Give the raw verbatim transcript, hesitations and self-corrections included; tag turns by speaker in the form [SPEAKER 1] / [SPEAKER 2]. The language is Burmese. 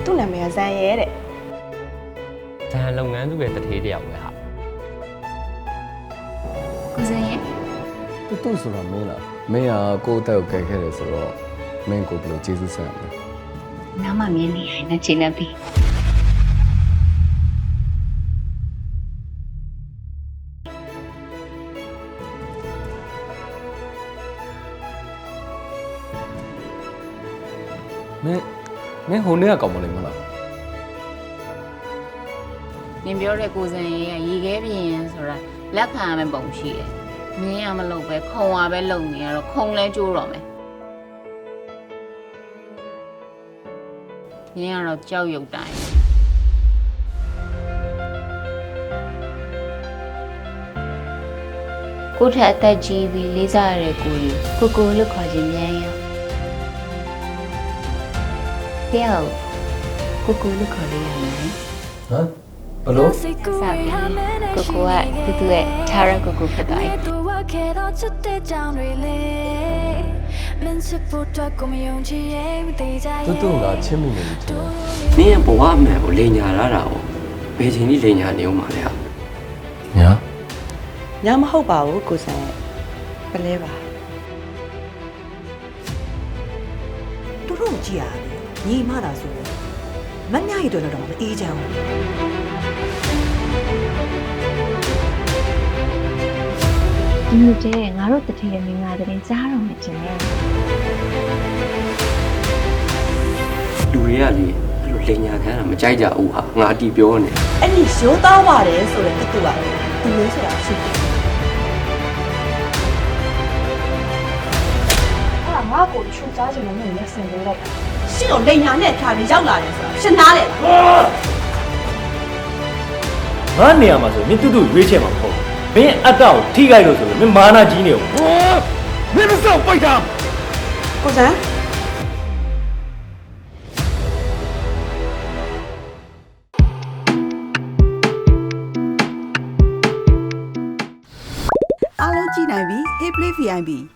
[SPEAKER 1] သူ့နာမည်ကဇန်ရဲတဲ့
[SPEAKER 2] ဇန်လုပ်ငန်းသူရဲ့တထေးတယောက်ပဲဟာ
[SPEAKER 3] ကိုစင်ရဲ့
[SPEAKER 4] တူတူဆိုတာမင်းလားမင်းကကိုယ့်အသက်ကိုကယ်ခဲ့တယ်ဆိုတော့မင်းကိုဘယ်လိုကျေးဇူးဆက်ရမလဲ
[SPEAKER 3] နားမမြင်နေရင်နဲ့ချိန်နေပြီ
[SPEAKER 4] မင်းမင်းဟိုနေ့ကကောင်းမလေးမလား
[SPEAKER 3] နင်ပြောတဲ့ကိုစင်ရဲ့ရေခဲပြင်းဆိုတာလက်ခံရမယ့်ပုံရှိတယ်မြင်ရမလို့ပဲခုံရပဲလုံနေရတော့ခုံလဲကျိုးတော့မယ်မြင်ရတော့ကြောက်ရွံ့တိုင်းကိုထက်အသက်ကြီးပြီးလေးစားရတဲ့ကိုကြီးကိုကိုလို့ခေါ်ခြင်းမြန်ရပြောကိုကိုလို့ခေါ်လို့ရမယ်
[SPEAKER 4] ဟမ်ဘလို့
[SPEAKER 3] စပြီကိုကိုကသူ့ရဲ့ Tara ကိုကိုဖြစ်သွားပြီ
[SPEAKER 4] တူတူကချစ်မိနေပြီကျွန်တော်
[SPEAKER 5] နင်းရဲ့ဘဝအမှန်ကိုလိန်ညာလာတာကိုဘယ်ချိန်ကြီးလိန်ညာနေအောင်ပါလဲဟာ
[SPEAKER 4] ညာ
[SPEAKER 1] ညာမဟုတ်ပါဘူးကိုဇန်ပလဲပါသူတို့ကြည့်ရတယ်ညီမသာဆိုမညရီတို့တော့မအေးချမ်းဘူး
[SPEAKER 6] ဒီလိုကျဲငါတို့တထေရမင်္ဂလာတဲ့ကြားတော့မှကျင်တယ်
[SPEAKER 5] လူတွေကလေအဲ့လိုလိန်ညာခံတာမကြိုက်ကြဘူးဟာငါအတီးပြောနေ
[SPEAKER 1] အဲ့ဒီရိုးသားပါတယ်ဆိုတဲ့တူကသူလေးဆိုတာရှိတယ်အဲ့ဒါငါ့ကိုချူစားခြင်းလို့မျက်စင်ပေးလိုက်တာရှင်းတော့လိန်ညာနဲ့ထားပြီးရောက်လာတယ်ဆိုတာရှင်းသားတယ်လား
[SPEAKER 7] ငါနေရာမှာဆိုမင်းတူတူရွေးချယ်မှာမဟုတ်ဘူးမင်းအတ္တကိုထိခိုက်လို့ဆိုလို့မင်းမာနာကြီးနေအောင်မင်းမစောက်ပိုက်တာ
[SPEAKER 1] ကိုဇန်အားလုံးကြည့်နိုင်ပြီ Hey Play ဗီ အိုင် ပီ